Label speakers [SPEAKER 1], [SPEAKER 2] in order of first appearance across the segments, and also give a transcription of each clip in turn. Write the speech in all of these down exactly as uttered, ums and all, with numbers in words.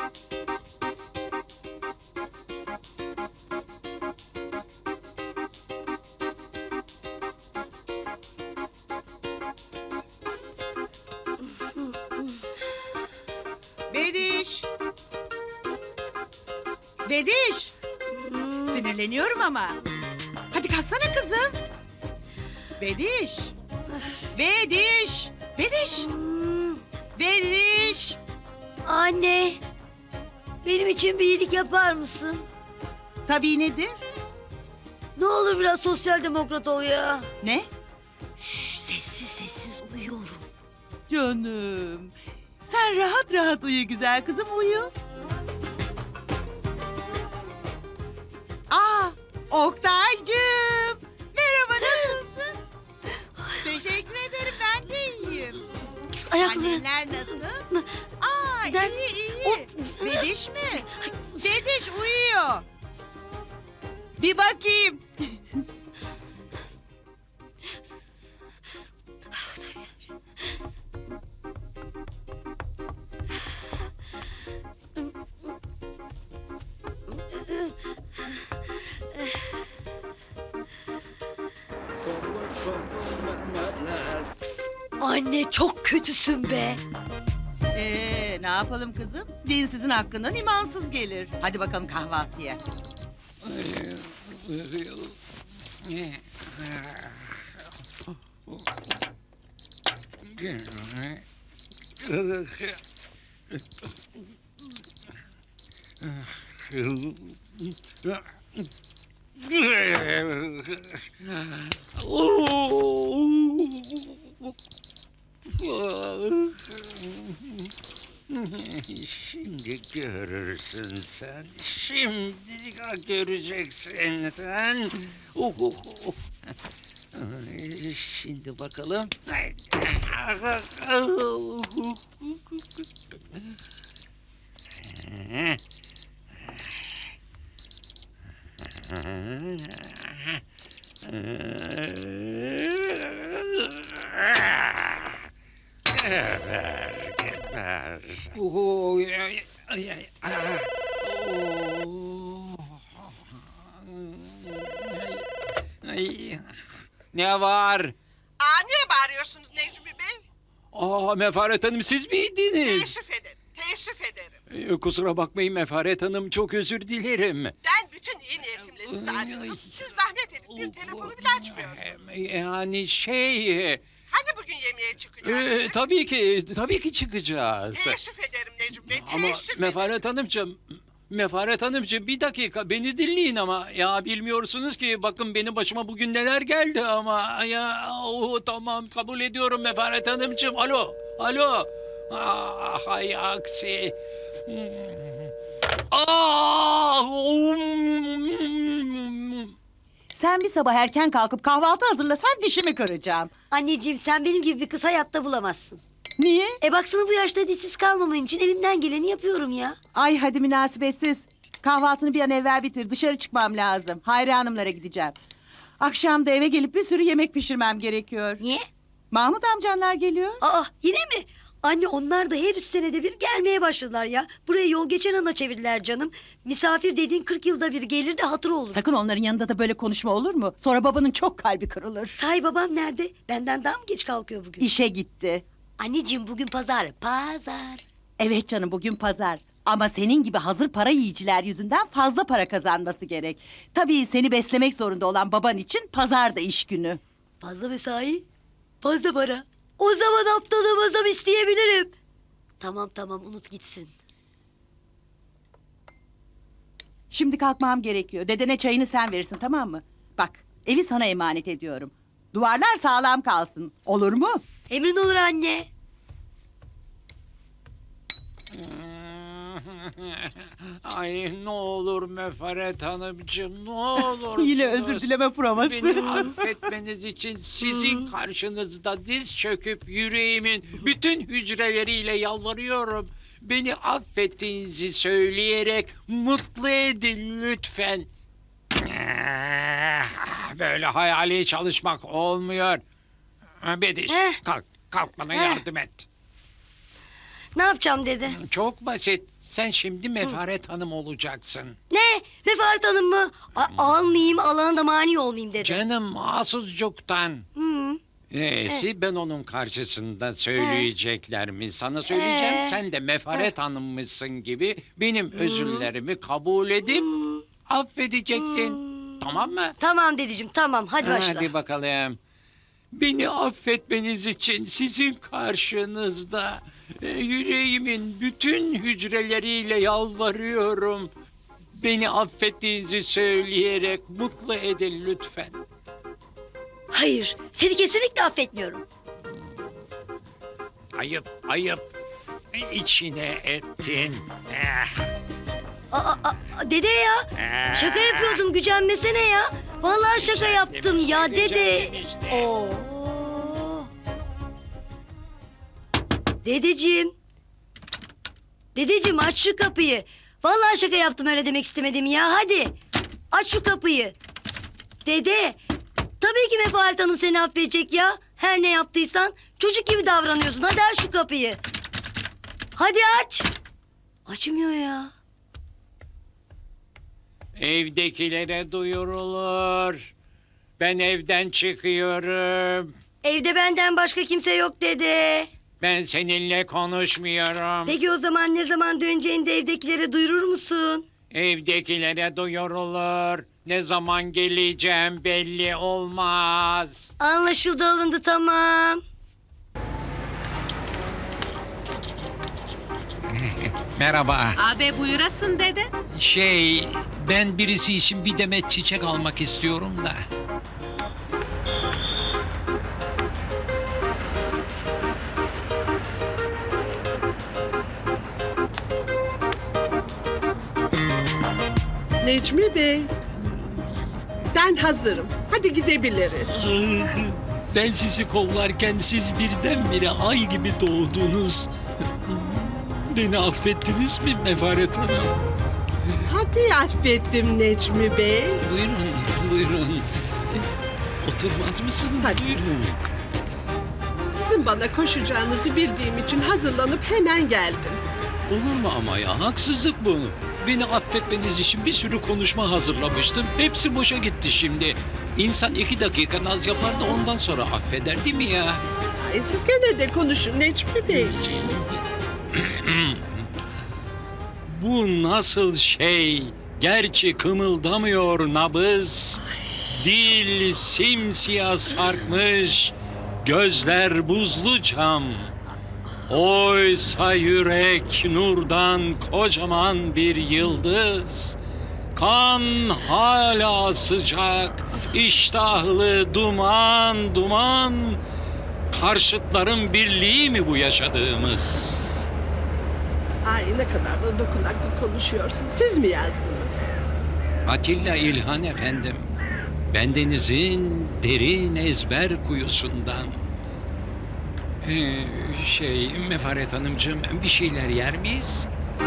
[SPEAKER 1] Bediş! Bediş! Sinirleniyorum ama. Hadi kalksana kızım. Bediş! Bediş! Bediş! Bediş!
[SPEAKER 2] Anne, benim için bir iyilik yapar mısın?
[SPEAKER 1] Tabii nedir?
[SPEAKER 2] Ne olur biraz sosyal demokrat ol ya.
[SPEAKER 1] Ne?
[SPEAKER 2] Şşş, sessiz sessiz uyuyorum.
[SPEAKER 1] Canım. Sen rahat rahat uyu güzel kızım, uyu. Aa, Oktay'cığım. Merhaba, nasılsın? Teşekkür ederim, ben de iyiyim.
[SPEAKER 2] Ayaklarım.
[SPEAKER 1] Anneler nasıl? Aa,
[SPEAKER 2] Neden-
[SPEAKER 1] iyi iyi.
[SPEAKER 2] O-
[SPEAKER 1] Bediş mi? Bediş uyuyor. Bir bakayım.
[SPEAKER 2] Anne çok kötüsün be.
[SPEAKER 1] Ee, ne yapalım kızım? Dinsizin hakkından imansız gelir. Hadi bakalım kahvaltıya.
[SPEAKER 3] Şimdi görürsün sen. Şimdi göreceksin sen. Oh, oh, oh. Ay, şimdi bakalım. Geber, geber. Oh, ay, ay, ay, ah. Oh. Ay, ay. Ne var?
[SPEAKER 4] Aa, niye bağırıyorsunuz Necmi Bey?
[SPEAKER 3] Aa, Mefaret Hanım siz miydiniz?
[SPEAKER 4] Teessüf ederim, teessüf ederim.
[SPEAKER 3] Ee, kusura bakmayın Mefaret Hanım, çok özür dilerim.
[SPEAKER 4] Ben bütün iyi niyetimle sizi
[SPEAKER 3] Ay,
[SPEAKER 4] arıyorum.
[SPEAKER 3] ay.
[SPEAKER 4] Siz zahmet edip bir telefonu bile açmıyorsunuz.
[SPEAKER 3] Ee, Yani şey... e,
[SPEAKER 4] Hani bugün yemeğe
[SPEAKER 3] e,
[SPEAKER 4] çıkacaktık?
[SPEAKER 3] tabii ki, tabii ki çıkacağız.
[SPEAKER 4] Teessüf ederim Necmi Bey,
[SPEAKER 3] Ama
[SPEAKER 4] teessüf ederim.
[SPEAKER 3] Mefaret Hanımcığım, Mefaret Hanımcığım bir dakika beni dinleyin ama ya bilmiyorsunuz ki bakın benim başıma bugün neler geldi ama ya oh, tamam kabul ediyorum Mefaret Hanımcığım. Alo, alo. Ah, hay aksi. Hmm. Ah!
[SPEAKER 1] Sen bir sabah erken kalkıp kahvaltı hazırlasan dişimi kıracağım.
[SPEAKER 2] Anneciğim sen benim gibi bir kız hayatta bulamazsın.
[SPEAKER 1] Niye?
[SPEAKER 2] E baksana bu yaşta dişsiz kalmaman için elimden geleni yapıyorum ya.
[SPEAKER 1] Ay hadi münasebetsiz. Kahvaltını bir an evvel bitir. Dışarı çıkmam lazım. Hayri Hanımlara gideceğim. Akşam da eve gelip bir sürü yemek pişirmem gerekiyor.
[SPEAKER 2] Niye?
[SPEAKER 1] Mahmut amcanlar geliyor.
[SPEAKER 2] Aa yine mi? Anne onlar da her üç senede bir gelmeye başladılar ya. Burayı yol geçen ana çevirdiler canım. Misafir dediğin kırk yılda bir gelir de hatır olur.
[SPEAKER 1] Sakın onların yanında da böyle konuşma, olur mu? Sonra babanın çok kalbi kırılır.
[SPEAKER 2] Sahi babam nerede? Benden daha mı geç kalkıyor bugün?
[SPEAKER 1] İşe gitti.
[SPEAKER 2] Anneciğim bugün pazar. Pazar.
[SPEAKER 1] Evet canım, bugün pazar. Ama senin gibi hazır para yiyiciler yüzünden fazla para kazanması gerek. Tabii seni beslemek zorunda olan baban için pazar da iş günü.
[SPEAKER 2] Fazla mesai. Fazla para. O zaman haftalığıma zam isteyebilirim. Tamam tamam unut gitsin.
[SPEAKER 1] Şimdi kalkmam gerekiyor. Dedene çayını sen verirsin, tamam mı? Bak, evi sana emanet ediyorum. Duvarlar sağlam kalsın. Olur mu?
[SPEAKER 2] Emrin olur anne.
[SPEAKER 3] Ay ne olur Mefaret Hanımcığım ne olur.
[SPEAKER 1] Yine özür dileme provası.
[SPEAKER 3] Beni affetmeniz için sizin karşınızda diz çöküp yüreğimin bütün hücreleriyle yalvarıyorum. Beni affettiğinizi söyleyerek mutlu edin lütfen. Böyle hayali çalışmak olmuyor. Bediş
[SPEAKER 2] Heh.
[SPEAKER 3] kalk, kalk bana
[SPEAKER 2] Heh.
[SPEAKER 3] yardım et.
[SPEAKER 2] Ne yapacağım dede?
[SPEAKER 3] Çok basit. Sen şimdi Mefaret Hanım olacaksın.
[SPEAKER 2] Ne? Mefaret Hanım mı? A- almayayım, alana da mani olmayayım dede.
[SPEAKER 3] Canım mahsuscuktan.
[SPEAKER 2] Hı.
[SPEAKER 3] Neyse ben onun karşısında söyleyeceklerimi sana söyleyeceğim.
[SPEAKER 2] Ee?
[SPEAKER 3] Sen de Mefaret Hanım'mışsın gibi benim özürlerimi kabul edip affedeceksin. Tamam mı?
[SPEAKER 2] Tamam dedeciğim, tamam. Hadi başla.
[SPEAKER 3] Hadi bakalım. Beni affetmeniz için sizin karşınızda e, yüreğimin bütün hücreleriyle yalvarıyorum. Beni affettiğinizi söyleyerek mutlu edin lütfen.
[SPEAKER 2] Hayır, seni kesinlikle affetmiyorum.
[SPEAKER 3] Ayıp, ayıp. İçine ettin. Eh,
[SPEAKER 2] Aa, aa, aa, dede ya,
[SPEAKER 3] eh.
[SPEAKER 2] şaka yapıyordum, gücenmesene ya. Vallahi şaka yaptım ya dede.
[SPEAKER 3] Gücendim işte.
[SPEAKER 2] Oo. Dedeciğim. Dedeciğim aç şu kapıyı. Vallahi şaka yaptım, öyle demek istemedim ya. Hadi aç şu kapıyı. Dede. Tabii ki Mefaret Hanım seni affedecek ya. Her ne yaptıysan çocuk gibi davranıyorsun. Hadi aç şu kapıyı. Hadi aç. Açmıyor ya.
[SPEAKER 3] Evdekilere duyurulur. Ben evden çıkıyorum.
[SPEAKER 2] Evde benden başka kimse yok dede.
[SPEAKER 3] Ben seninle konuşmuyorum.
[SPEAKER 2] Peki o zaman ne zaman döneceğini de evdekilere duyurur musun?
[SPEAKER 3] Evdekilere duyurulur. Ne zaman geleceğim belli olmaz.
[SPEAKER 2] Anlaşıldı, alındı, tamam.
[SPEAKER 3] Merhaba.
[SPEAKER 5] Abi buyurasın dede.
[SPEAKER 3] Şey, ben birisi için bir demet çiçek almak istiyorum da.
[SPEAKER 6] Necmi Bey, ben hazırım. Hadi gidebiliriz.
[SPEAKER 3] Ben sizi kollarken siz birdenbire ay gibi doğdunuz. Beni affettiniz mi Mefaret Hanım?
[SPEAKER 6] Tabii affettim Necmi Bey.
[SPEAKER 3] Buyurun, buyurun. Oturmaz mısınız?
[SPEAKER 6] Hadi.
[SPEAKER 3] Buyurun.
[SPEAKER 6] Sizin bana koşacağınızı bildiğim için hazırlanıp hemen geldim.
[SPEAKER 3] Olur mu ama ya? Haksızlık bu. Beni affetmeniz için bir sürü konuşma hazırlamıştım. Hepsi boşa gitti şimdi. İnsan iki dakika naz yapar da ondan sonra affeder değil mi ya?
[SPEAKER 6] Ay, siz gene de konuşun Necmi Beyciğim.
[SPEAKER 3] Bu nasıl şey? Gerçi kımıldamıyor nabız. Dil simsiyah sarkmış. Gözler buzlu cam. Oysa yürek nurdan kocaman bir yıldız. Kan hala sıcak, iştahlı duman duman. Karşıtların birliği mi bu yaşadığımız?
[SPEAKER 6] Ay, ne kadar da dokunaklı konuşuyorsun. Siz mi yazdınız?
[SPEAKER 3] Atilla İlhan efendim. Bendenizin derin ezber kuyusundan. Ee, şey, Mefaret Hanımcığım bir şeyler yer miyiz?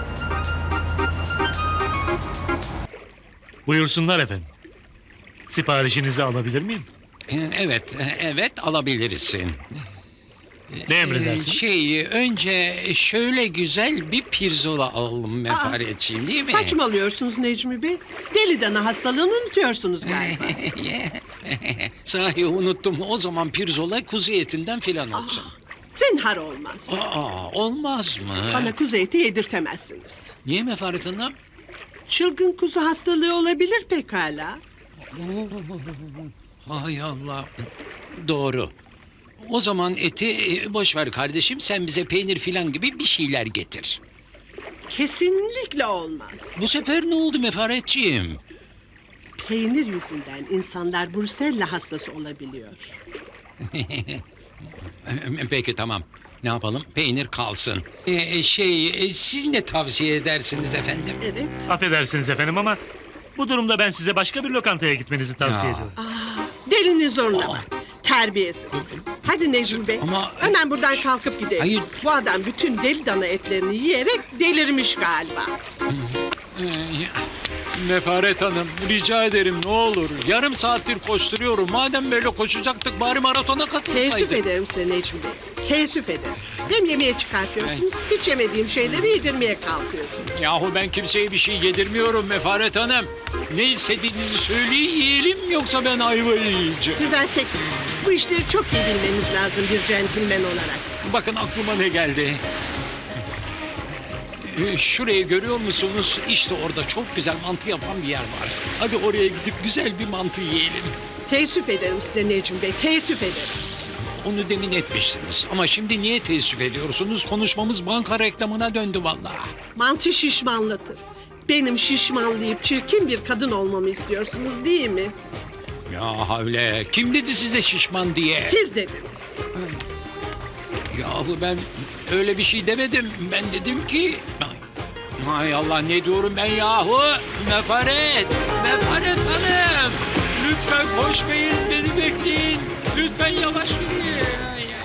[SPEAKER 7] Buyursunlar efendim. Siparişinizi alabilir miyim?
[SPEAKER 3] Ee, evet, evet alabilirsin.
[SPEAKER 7] Ne emredersiniz?
[SPEAKER 3] Ee, şey, önce şöyle güzel bir pirzola alalım Mefaretciğim değil mi?
[SPEAKER 6] Saçmalıyorsunuz Necmi Bey. Deli dana hastalığını unutuyorsunuz galiba.
[SPEAKER 3] Sahi unuttum. O zaman pirzola kuzu etinden filan olsun.
[SPEAKER 6] Zinhar olmaz.
[SPEAKER 3] Aa, olmaz mı?
[SPEAKER 6] Bana kuzu eti yedirtemezsiniz.
[SPEAKER 3] Niye Mefaret Hanım?
[SPEAKER 6] Çılgın kuzu hastalığı olabilir pekala.
[SPEAKER 3] Hay Allah. Doğru. O zaman eti e, boş ver kardeşim. Sen bize peynir filan gibi bir şeyler getir.
[SPEAKER 6] Kesinlikle olmaz.
[SPEAKER 3] Bu sefer ne oldu Mefaretciğim?
[SPEAKER 6] Peynir yüzünden insanlar Brusella hastası olabiliyor.
[SPEAKER 3] Peki tamam. Ne yapalım? Peynir kalsın. Ee, şey, e, siz ne tavsiye edersiniz efendim?
[SPEAKER 6] Evet.
[SPEAKER 7] Affedersiniz efendim ama bu durumda ben size başka bir lokantaya gitmenizi tavsiye
[SPEAKER 3] Ya.
[SPEAKER 7] ediyorum.
[SPEAKER 6] Aa, delini zorlama. Terbiyesiz. Hadi Necmi Bey.
[SPEAKER 3] Ama-
[SPEAKER 6] Hemen buradan kalkıp gidelim.
[SPEAKER 3] Hayır.
[SPEAKER 6] Bu adam bütün deli dana etlerini yiyerek delirmiş galiba.
[SPEAKER 3] Ee, Mefaret Hanım, rica ederim ne olur. Yarım saattir koşturuyorum. Madem böyle koşacaktık bari maratona
[SPEAKER 6] Teessüf
[SPEAKER 3] katılsaydık.
[SPEAKER 6] ederim size Necmi Bey. Teessüf ederim. Hem yemeğe çıkartıyorsunuz, hiç yemediğim şeyleri yedirmeye kalkıyorsunuz.
[SPEAKER 3] Yahu ben kimseye bir şey yedirmiyorum Mefaret Hanım. Ne istediğinizi söyleyin yiyelim yoksa ben ayvayı yiyeceğim.
[SPEAKER 6] Siz erkeksiniz. Bu işleri çok iyi bilmeniz lazım bir centilmen olarak.
[SPEAKER 3] Bakın aklıma ne geldi. Ee, Şurayı görüyor musunuz? İşte orada çok güzel mantı yapan bir yer var. Hadi oraya gidip güzel bir mantı yiyelim.
[SPEAKER 6] Teessüf ederim size Necmi Bey, teessüf ederim.
[SPEAKER 3] Onu demin etmiştiniz. Ama şimdi niye teessüf ediyorsunuz? Konuşmamız banka reklamına döndü vallahi.
[SPEAKER 6] Mantı şişmanlatır. Benim şişmanlayıp çirkin bir kadın olmamı istiyorsunuz değil mi?
[SPEAKER 3] Ya havle. Kim dedi size şişman diye?
[SPEAKER 6] Siz dediniz.
[SPEAKER 3] Yahu ben öyle bir şey demedim. Ben dedim ki... Hay Allah ne diyorum ben yahu? Mefaret! Mefaret Hanım! Lütfen koşmayın beni bekleyin. Lütfen yavaş yürüyün.